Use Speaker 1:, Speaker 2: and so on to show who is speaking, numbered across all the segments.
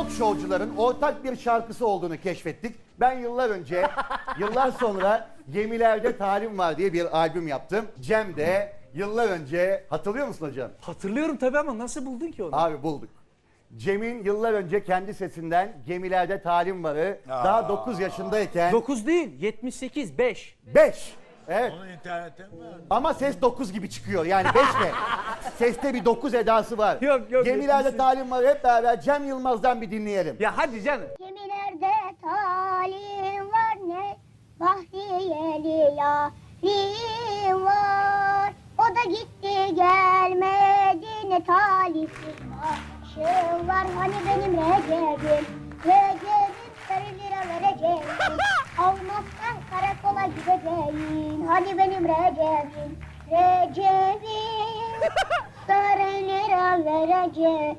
Speaker 1: talk showcuların ortak bir şarkısı olduğunu keşfettik. Ben yıllar önce, yıllar sonra Gemilerde Talim Var diye bir albüm yaptım. Cem de yıllar önce, hatırlıyor musun hocam?
Speaker 2: Hatırlıyorum tabii ama nasıl buldun ki onu?
Speaker 1: Abi bulduk. Cem'in yıllar önce kendi sesinden Gemilerde Talim Var'ı daha 9 yaşındayken...
Speaker 2: 9 değil, 78, 5.
Speaker 1: 5. Evet.
Speaker 3: Onu internetten mi aldın?
Speaker 1: Ama ses 9 gibi çıkıyor. Yani 5 de. Seste bir 9 edası var.
Speaker 2: Yok,
Speaker 1: Gemilerde
Speaker 2: 78.
Speaker 1: Talim Var'ı hep beraber Cem Yılmaz'dan bir dinleyelim.
Speaker 2: Ya hadi canım.
Speaker 4: Gemilerde talim var ne bahriyeli yarim var. O da gitti gelmedi ne talihsiz başım var. Hani benim Recep'im, Recep'im sarı lira vereceğim. Almazsan karakola gideceğim. Hani benim Recep'im, Recep'im sarı lira vereceğim.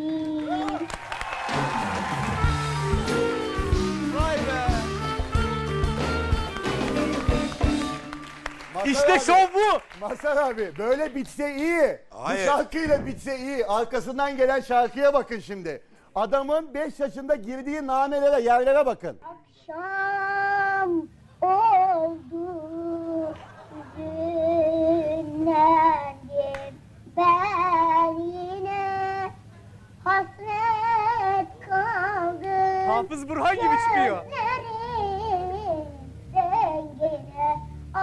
Speaker 2: Vay be.
Speaker 1: Mazhar
Speaker 2: İşte
Speaker 1: abi,
Speaker 2: şov bu.
Speaker 1: Mazhar abi böyle bitse iyi.
Speaker 3: Hayır.
Speaker 1: Bu şarkıyla bitse iyi. Arkasından gelen şarkıya bakın şimdi. Adamın 5 yaşında girdiği nanelere, yerlere bakın.
Speaker 4: Akşam oldu, hüzünlendim. Ben yine hasret kaldım.
Speaker 2: Hafız Burhan gibi çıkıyor.
Speaker 4: Gözlerin rengine,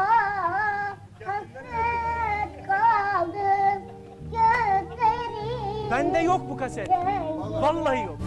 Speaker 4: hasret kaldım. Gözlerin
Speaker 2: Bende yok bu kaset.
Speaker 4: rengine.
Speaker 2: Vallahi yok.